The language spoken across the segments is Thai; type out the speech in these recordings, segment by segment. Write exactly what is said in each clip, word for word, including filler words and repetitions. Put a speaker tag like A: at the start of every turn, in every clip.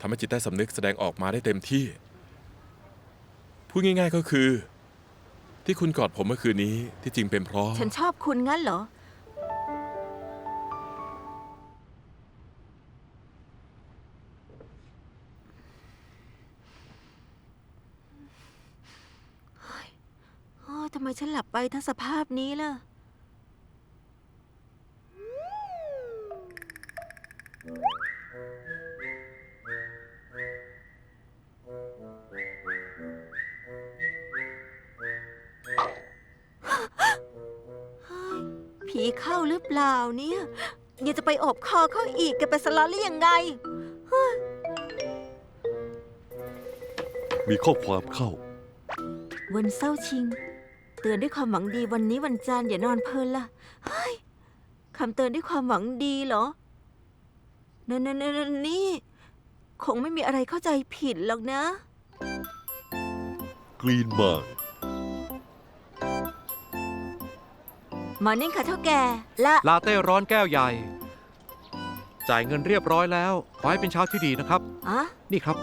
A: ทำให้จิตใต้สำนึกแสดงออกมาได้เต็มที่พูดง่ายๆก็คือที่คุณกอดผมเมื่อคืนนี้ที่จริงเป็นเพราะ
B: ฉันชอบคุณงั้นเหรอโอ้ยทำไมฉันหลับไปทั้งสภาพนี้ล่ะผีเข้าหรือเปล่าเนี่ยยังจะไปอบคอเขาอีกแกไปสล็อตหรือยังไง
C: มีข้อความเข้า
B: วันเศร้าชิงเตือนด้วยความหวังดีวันนี้วันจันทร์อย่านอนเพลินล่ะเฮ้ยคำเตือนด้วยความหวังดีเหรอนั่นนั่นนั่นนี่คงไม่มีอะไรเข้าใจผิดหรอกนะ
C: กรีนมาร์
B: มอร์นิ่งค่ะเท่าแก่ละ
D: ลาเต้ร้อนแก้วใหญ่จ่ายเงินเรียบร้อยแล้วขอให้เป็นเช้าที่ดีนะครับ
B: อะ
D: นี่ครับ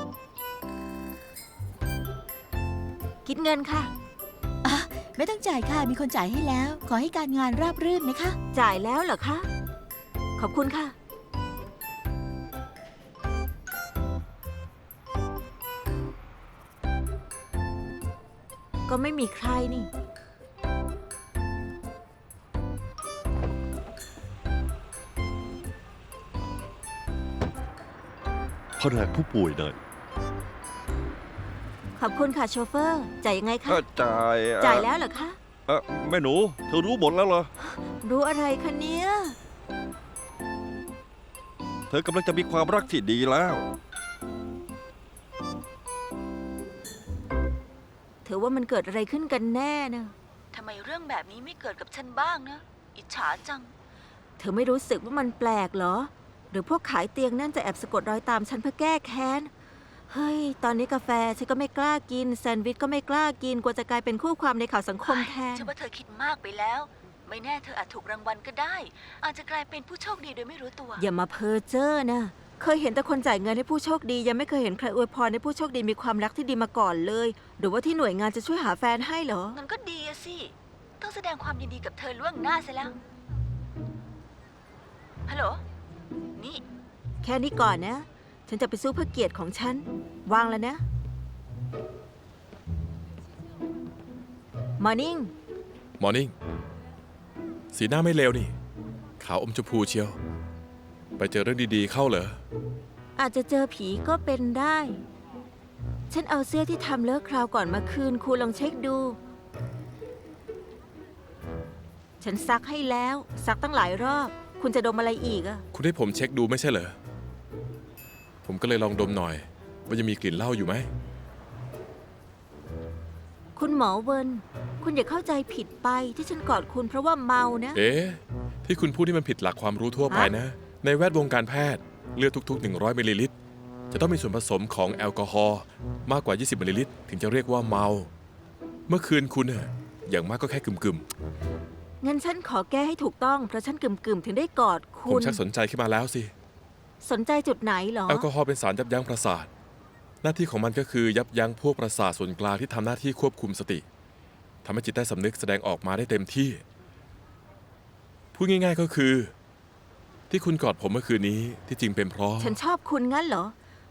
B: คิดเงินค่ะ
E: อ่ะไม่ต้องจ่ายค่ะมีคนจ่ายให้แล้วขอให้การงานราบรื่นนะคะ
B: จ่ายแล้วเหรอคะขอบคุณค่ะก็ไม่มีใครนี่
C: แผนกผู้ป่วยหน่อย
B: ขอบคุณค่ะโชเฟอร์จ่ายยังไงคะ
F: จ่าย
B: จ่ายแล้วเหรอคะ
F: เออแม่หนูเธอรู้หมดแล้วเหรอ
B: รู้อะไรคะเนี่ย
F: เธอกำลังจะมีความรักที่ดีแล้ว
B: เธอว่ามันเกิดอะไรขึ้นกันแน่นะทำไมเรื่องแบบนี้ไม่เกิดกับฉันบ้างนะอิจฉาจังเธอไม่รู้สึกว่ามันแปลกเหรอหรือพวกขายเตียงนั่นจะแอบสะกดรอยตามฉันเพื่อแก้แค้นเฮ้ยตอนนี้กาแฟฉันก็ไม่กล้ากินแซนด์วิชก็ไม่กล้ากินกลัวจะกลายเป็นคู่ความในข่าวสังคมแทนฉันว่าเธอคิดมากไปแล้วไม่แน่เธออาจถูกรางวัลก็ได้อาจจะกลายเป็นผู้โชคดีโดยไม่รู้ตัวอย่ามาเพ้อเจ้อนะเคยเห็นแต่คนจ่ายเงินให้ผู้โชคดียังไม่เคยเห็นใครอวยพรให้ผู้โชคดีมีความรักที่ดีมาก่อนเลยหรือว่าที่หน่วยงานจะช่วยหาแฟนให้เหรองั้นก็ดีอะสิต้องแสดงความยินดีกับเธอล่วงหน้าซะแล้วฮัลโหลนี่แค่นี้ก่อนนะฉันจะไปสู้เพื่อเกียรติของฉันวางแล้วนะมอร์นิ่ง
A: มอร์นิ่งสีหน้าไม่เลวนี่ขาวอมชมพูเชียวไปเจอเรื่องดีๆเข้าเหรอ
B: อาจจะเจอผีก็เป็นได้ฉันเอาเสื้อที่ทำเลิกคราวก่อนมาคืนคุณลองเช็คดูฉันซักให้แล้วซักตั้งหลายรอบคุณจะดมอะไรอีกอะ
A: คุณให้ผมเช็คดูไม่ใช่เหรอผมก็เลยลองดมหน่อยว่าจะมีกลิ่นเหล้าอยู่ไหม
B: คุณหมอเวิร์นคุณอย่าเข้าใจผิดไปที่ฉันกอดคุณเพราะว่าเมานะ
A: เอ๊ะที่คุณพูดที่มันผิดหลักความรู้ทั่วไปนะในแวดวงการแพทย์เลือดทุกๆหนึ่งร้อยมิลลิลิตรจะต้องมีส่วนผสมของแอลกอฮอล์มากกว่ายี่สิบมิลลิลิตรถึงจะเรียกว่าเมาเมื่อคืนคุณน่ะอย่างมากก็แค่กึ่มๆ
B: งั้นฉันขอแก้ให้ถูกต้องเพราะฉันกึ่มๆถึงได้กอดคุณ
A: ผมชักสนใจขึ้นมาแล้วสิ
B: สนใจจุดไหนหรอ
A: แอลกอฮอล์เป็นสารยับยั้งประสาทหน้าที่ของมันก็คือยับยั้งพวกประสาทส่วนกลางที่ทำหน้าที่ควบคุมสติทำให้จิตใต้สำนึกแสดงออกมาได้เต็มที่พูดง่ายๆก็คือที่คุณกอดผมเมื่อคืนนี้ที่จริงเป็นเพราะ
B: ฉันชอบคุณงั้นเหรอ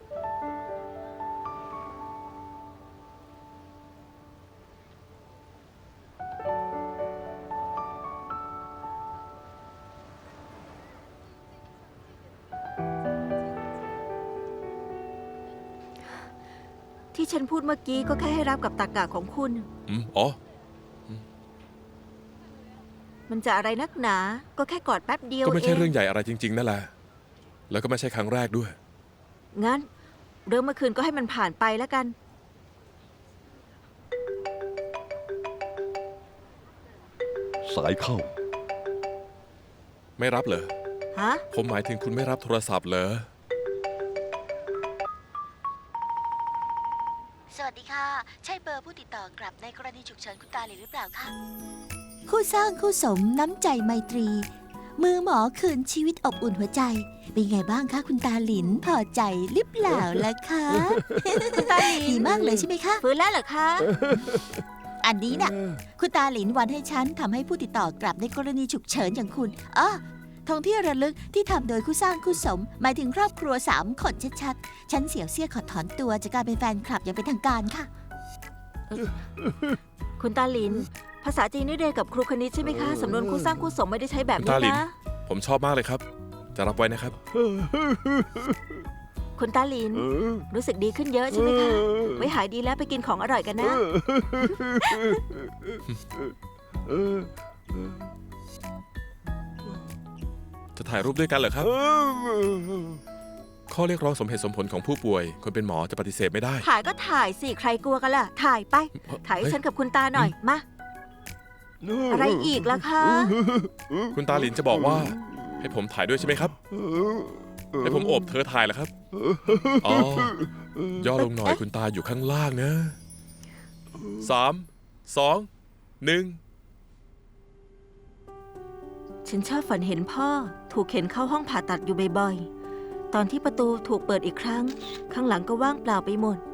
B: ที่ฉันพูดเมื่อกี้ก็แค่ให้รับกับตรรกะของคุณ
A: อืมอ๋อ
B: มันจะอะไรนักหนาก็แค่กอดแป๊บเดียว
A: ก็ไม่ใช่เรื่องใหญ่อะไรจริงๆนั่นแหละแล้วก็ไม่ใช่ครั้งแรกด้วย
B: งั้นเรื่องเมื่อคืนก็ให้มันผ่านไปแล้วกัน
C: สายเข้า
A: ไม่รับเหรอ
B: ฮะ
A: ผมหมายถึงคุณไม่รับโทรศัพท์เหรอ
G: สวัสดีค่ะใช่เบอร์ผู้ติดต่อกลับในกรณีฉุกเฉินคุณตาหรือเปล่าคะ
E: คู่สร้างคู่สมน้ำใจไมตรีมือหมอคืนชีวิตอบอุ่นหัวใจ เป็นไงบ้างคะคุณตาหลิน พอใจหรือเปล่าล่ะคะ
B: คุณตาหลิน
E: ดีมากเลยใช่ไหมคะ
B: ฟื้นแล้วเหรอคะ
E: อันนี้น่ะ คุณตาหลินวันให้ฉันทำให้ผู้ติดต่อกลับในกรณีฉุกเฉินอย่างคุณอ๋อทองที่ระลึกที่ทำโดยคู่สร้างคู่สม หมายถึงครอบครัวสามคนชัดๆ ฉันเสี่ยวเซี่ยขอถอนตัวจากการเป็นแฟนคลับอย่างเป็นทางการค่ะ
B: คุณตาหลิน ภาษาจีนนี่เรียนกับครูคณิตใช่ไหมคะ สำนวนคู่สร้างคู่สมไม่ได้ใช้แบบ
A: คุณ
B: นี้
A: ตาหลิน
B: นะ
A: ผมชอบมากเลยครับ จะรับไว้นะครับ
B: คุณตาหลิน รู้สึกดีขึ้นเยอะใช่ไหมคะ ไว้หายดีแล้วไปกินของอร่อยกันนะ
A: จะถ่ายรูปด้วยกันเหรอครับ ข้อเรียกร้องสมเหตุสมผลของผู้ป่วย คนเป็นหมอจะปฏิเสธไม่ได้
B: ถ่ายก็ถ่ายสิ ใครกลัวกันล่ะ ถ่ายไป ถ่ายให้ฉันกับคุณตาหน่อย มา อะไรอีกล่ะคะ
A: คุณตาหลินจะบอกว่า ให้ผมถ่ายด้วยใช่ไหมครับ ให้ผมโอบเธอถ่ายเหรอครับ อ๋อย่อลงหน่อยคุณตาอยู่ข้างล่างนะสามสองหนึ่ง
B: ฉันชอบฝันเห็นพ่อถูกเข็นเข้าห้องผ่าตัดอยู่บ่อยๆ ตอนที่ประตูถูกเปิดอีกครั้ง ข้างหลังก็ว่างเปล่าไปหมด